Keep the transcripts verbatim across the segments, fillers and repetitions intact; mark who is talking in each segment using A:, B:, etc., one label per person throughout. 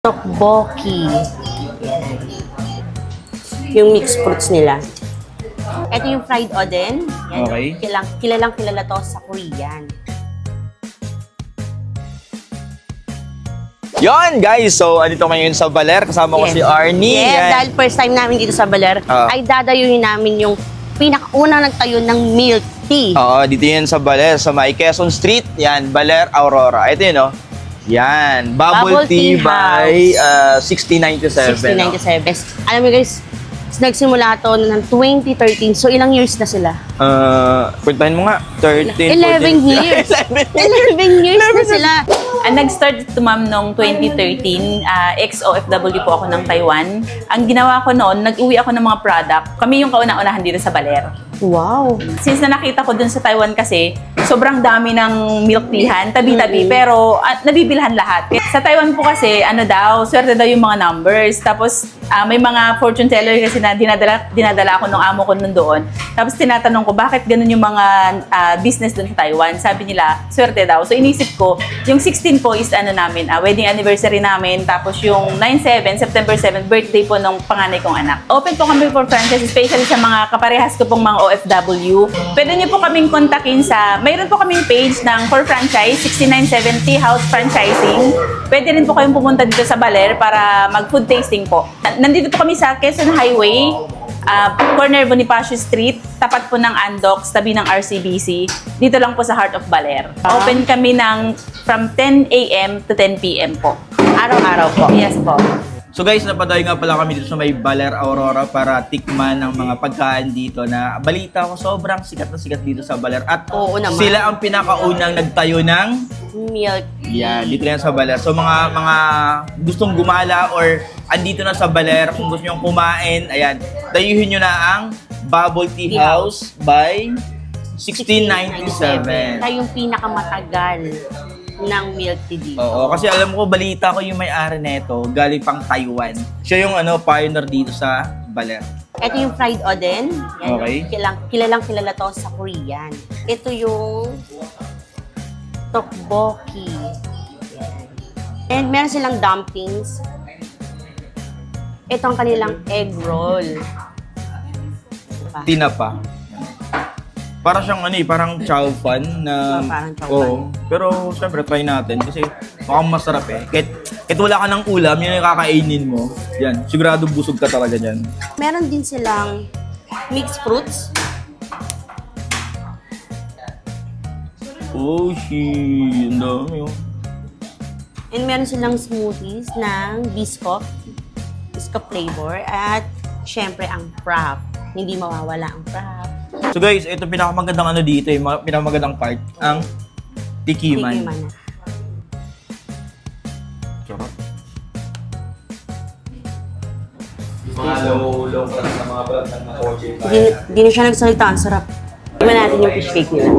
A: Tteokbokki. Yung mixed fruits nila. Ito yung fried oden. Yan,
B: Okay.
A: Kilang, kilalang kilala to sa Korean.
B: Yon guys, so andito ngayon sa Baler, kasama ko
A: Yes.
B: si Arnie.
A: Yes,
B: Yan.
A: dahil first time namin dito sa Baler,
B: Ah.
A: ay dadayuhin namin yung pinakaunang nagtayo ng milk tea.
B: Oo, dito yan sa Baler, sa may Quezon Street. Yan, Baler Aurora. Ito yun, no? Yan, Bubble,
A: Bubble Tea
B: Tea, by uh, sixteen ninety-seven.
A: sixteen ninety-seven. Alam mo guys, nagsimula to ng twenty thirteen. So ilang years na sila?
B: Uh, puntahin mo nga, thirteen,
A: eleven
B: fourteen.
A: years.
B: eleven.
A: eleven years na sila.
C: Ah, nag-start ito ma'am noong twenty thirteen, ah, ex-O F W po ako ng Taiwan. Ang ginawa ko noon, nag-uwi ako ng mga product. Kami yung kauna-unahan dito sa Baler.
A: Wow.
C: Since na nakita ko dun sa Taiwan kasi, sobrang dami ng milk teahan, tabi-tabi, pero ah, nabibilhan lahat. Sa Taiwan po kasi, ano daw, swerte daw yung mga numbers. Tapos ah, may mga fortune teller kasi na dinadala, dinadala ako nung amo ko nun doon. Tapos tinatanong ko, bakit ganun yung mga ah, business dun sa Taiwan? Sabi nila, swerte daw. So inisip ko, yung sixteen po is ano namin, ah, wedding anniversary namin. Tapos yung nine seven, September seven, birthday po nung panganay kong anak. Open po kami for franchise, especially sa mga kaparehas ko pong mga O F W. Pwede niyo po kaming kontakin sa, mayroon po kaming page ng for franchise, sixteen ninety-seven Tea House Franchising. Pwede rin po kayong pumunta dito sa Baler para mag-food tasting po. Nandito po kami sa Quezon Highway, uh, corner Bonifacio Street, tapat po ng Andox, tabi ng R C B C. Dito lang po sa Heart of Baler. Open kami ng from ten A M to ten P M po.
A: Araw-araw po.
C: Yes po.
B: So guys, napadayo nga pala kami dito sa may Baler Aurora para tikman ng mga pagkain dito na balita ko sobrang sikat na sikat dito sa Baler. At
A: Oo naman.
B: sila ang pinakaunang nagtayo ng
A: Milk tea.
B: yan, dito yan sa Baler. So mga mga gustong gumala or andito na sa Baler, kung gusto nyo kumain, ayan, dayuhin nyo na ang Bubble Tea
A: Tea
B: House by sixteen ninety-seven.
A: Siya yung pinakamatagal ng milk tea dito.
B: Oo, kasi alam ko, balita ko yung may-ari nito, galing pang Taiwan. Siya yung ano, pioneer dito sa Baler.
A: Ito yung fried oden. Yan,
B: Okay.
A: Kilang, kilalang kilala to sa Korean. Ito yung tteokbokki. Yan. And meron silang dumplings. Ito ang kanilang egg roll. Diba?
B: Tinapa. Para siyang ano eh, parang chow fan na...
A: Oh, parang chow
B: Oo. Pero syempre, try natin kasi mukhang masarap eh. Kahit, kahit wala ka ng ulam, yun yung kakainin mo. Yan, sigurado busog ka talaga dyan.
A: Meron din silang mixed fruits.
B: Oh, shit. Ang dami oh.
A: And meron silang smoothies ng biscoff. Biscoff flavor. At syempre ang frap. Hindi mawawala ang frap.
B: So guys, ito pinakamagandang ano dito eh, ma- pinakamagandang part, ang tikiman.
A: Tikiman na.
B: Sarap. Mga low, low class na mga brand ng mga kotse.
A: Hindi, hindi na siya nagsalita. Ang sarap. Iba natin yung fish cake nila.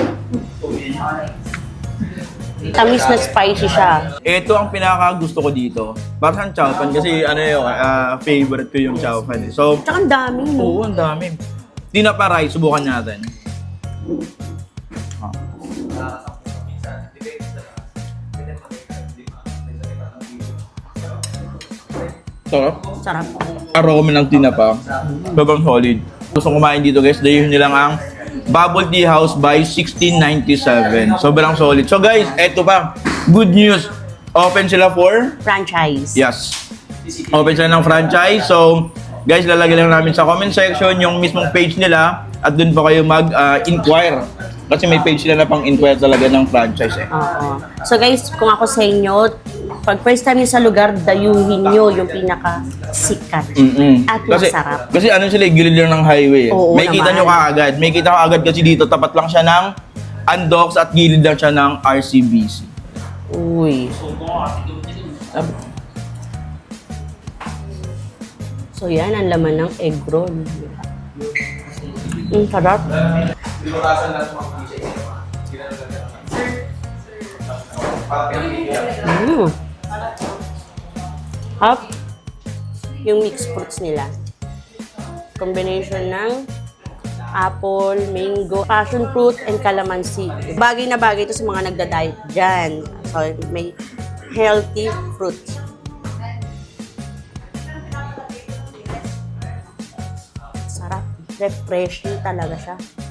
A: Tamis na spicy siya.
B: Ito ang pinaka gusto ko dito. Parang chow fan kasi ano yun, ah, favorite ko yung chow fan eh. So,
A: Tsaka ang dami, no?
B: oo, ang dami. Tinapa rice, subukan natin. Ah. Sarap.
A: Sarap.
B: Aroma ng tinapa. Sobrang solid. Gusto kumain dito guys, dahil nyo lang ang Bubble Tea House by sixteen ninety-seven. Sobrang solid. So guys, eto pa. Good news. Open sila for?
A: Franchise.
B: Yes. Open sila ng franchise. So, guys, lalagay lang namin sa comment section yung mismong page nila at dun pa kayo mag-inquire. Kasi may page sila na pang-inquire talaga ng franchise eh.
A: Oo. So guys, kung ako sa inyo, pag first time nyo sa lugar, dayuhin nyo yung pinaka-sikat.
B: Mm-mm.
A: At
B: kasi,
A: masarap.
B: Kasi ano sila, gilid lang ng highway eh.
A: Oo
B: May kita
A: naman.
B: nyo kaagad. May kita ko agad kasi dito, tapat lang siya ng Andox at gilid lang siya ng R C B C.
A: Uy. So yan, ang laman ng egg roll. Ang sarap. Mm. Hop. Yung mixed fruits nila. Combination ng apple, mango, passion fruit, and calamansi. Bagay na bagay ito sa mga nagda-diet dyan. So, may healthy fruits. refreshing talaga siya.